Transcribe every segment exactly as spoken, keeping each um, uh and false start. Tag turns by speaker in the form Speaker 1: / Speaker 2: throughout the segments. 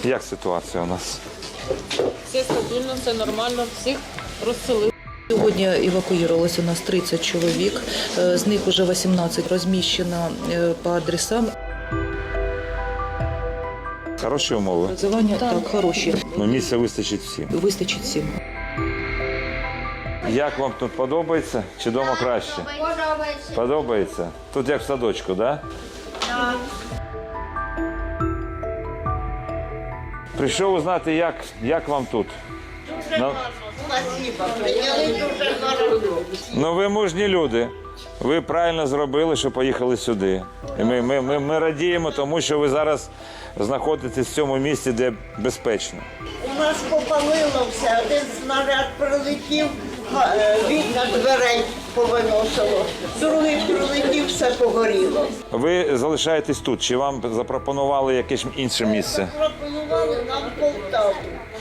Speaker 1: Як ситуація у нас?
Speaker 2: Все стабільно, все нормально, всіх розселили.
Speaker 3: Сьогодні евакуювалося у нас тридцять чоловік, з них вже вісімнадцять розміщено по адресам.
Speaker 1: Хороші умови?
Speaker 3: Проживання так, хороші.
Speaker 1: Ну, місця вистачить всім.
Speaker 3: Вистачить всім.
Speaker 1: Як вам тут подобається? Чи вдома краще?
Speaker 4: Подобається.
Speaker 1: Подобається? Тут як в садочку, так?
Speaker 4: Так.
Speaker 1: Прийшов узнати, як, як вам тут. Ну,
Speaker 4: Спасибо. Прийняли дуже хорошо.
Speaker 1: ну, ви мужні люди. Ви правильно зробили, що поїхали сюди. І ми, ми, ми, ми радіємо тому, що ви зараз знаходитесь в цьому місці, де безпечно.
Speaker 4: У нас попалило все. Один снаряд прилетів, га- е, вікна дверей повиносило. Другий прилетів, все погоріло.
Speaker 1: Ви залишаєтесь тут, чи вам запропонували якесь інше місце?
Speaker 4: Пропонували нам Полтаву.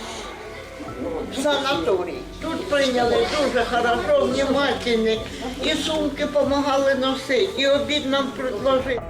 Speaker 4: В санаторій. Тут прийняли дуже хорошо, внимательні. І сумки допомагали носити, і обід нам предложили.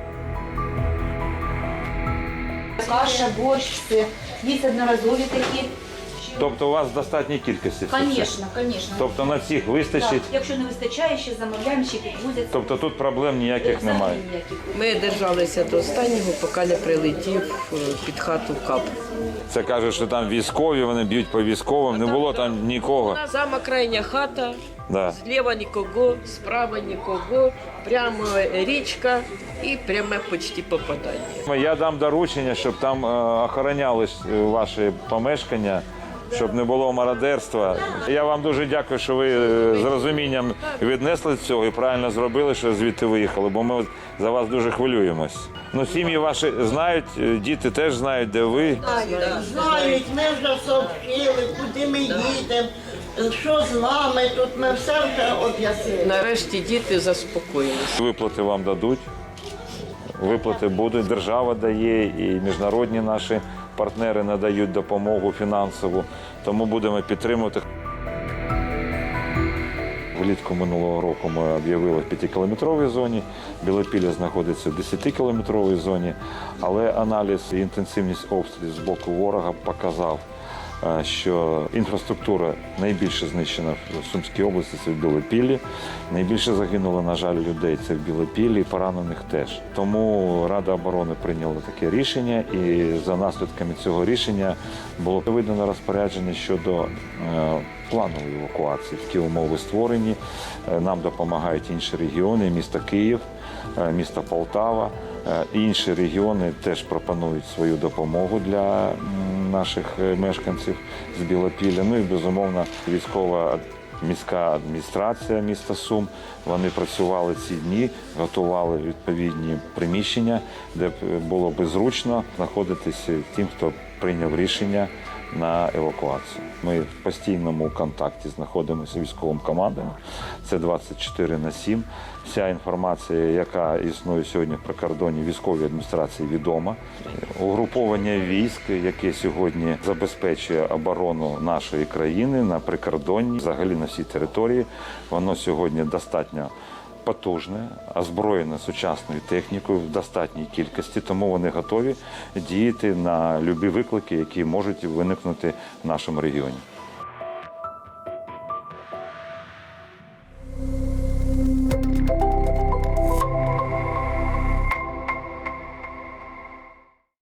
Speaker 5: Каша, борщ, все. Є одноразові такі.
Speaker 1: Тобто у вас в достатній кількості? це все?
Speaker 5: Звісно, звісно.
Speaker 1: Тобто на всіх вистачить?
Speaker 5: Якщо не вистачає, ще замовляємо, ще підвозять.
Speaker 1: Тобто тут проблем ніяких немає?
Speaker 6: Ми держалися до останнього, поки не прилетів е, під хату кап.
Speaker 1: Це кажуть, що там військові, вони б'ють по військовим, не було там нікого.
Speaker 6: Сама крайня хата,
Speaker 1: Да.
Speaker 6: зліва нікого, справа нікого, прямо річка і пряме почти попадання.
Speaker 1: Я дам доручення, щоб там е, охоронялись е, ваші помешкання, щоб не було мародерства. Я вам дуже дякую, що ви е, з розумінням віднесли цього і правильно зробили, що звідти виїхали, бо ми за вас дуже хвилюємось. Ну, сім'ї ваші знають, е, діти теж знають, де ви.
Speaker 4: Знають, ми вже сообщили, куди ми їдемо, що з нами тут, ми все вже об'яснили.
Speaker 6: Нарешті діти заспокоїлися.
Speaker 1: Виплати вам дадуть, виплати будуть, держава дає і міжнародні наші партнери надають допомогу фінансову, тому будемо підтримувати. Влітку минулого року ми об'явили в п'ятикілометровій зоні, Білопілля знаходиться в десятикілометровій зоні, але аналіз і інтенсивність обстрілів з боку ворога показав, що інфраструктура найбільше знищена в Сумській області, це в Білопіллі. Найбільше загинуло, на жаль, людей це в Білопіллі, і поранених теж. Тому Рада оборони прийняла таке рішення, і за наслідками цього рішення було видано розпорядження щодо планової евакуації. Такі умови створені. Нам допомагають інші регіони, місто Київ, місто Полтава. Інші регіони теж пропонують свою допомогу для наших мешканців з Білопілля. Ну і, безумовно, військова міська адміністрація міста Сум. Вони працювали ці дні, готували відповідні приміщення, де було би зручно знаходитися тим, хто прийняв рішення на евакуацію. Ми в постійному контакті знаходимося з військовим командою. Це двадцять чотири на сім. Вся інформація, яка існує сьогодні в прикордонній військовій адміністрації, відома. Угруповання військ, яке сьогодні забезпечує оборону нашої країни на прикордонні, взагалі на всій території, воно сьогодні достатньо потужне, озброєне сучасною технікою в достатній кількості, тому вони готові діяти на любі виклики, які можуть виникнути в нашому регіоні.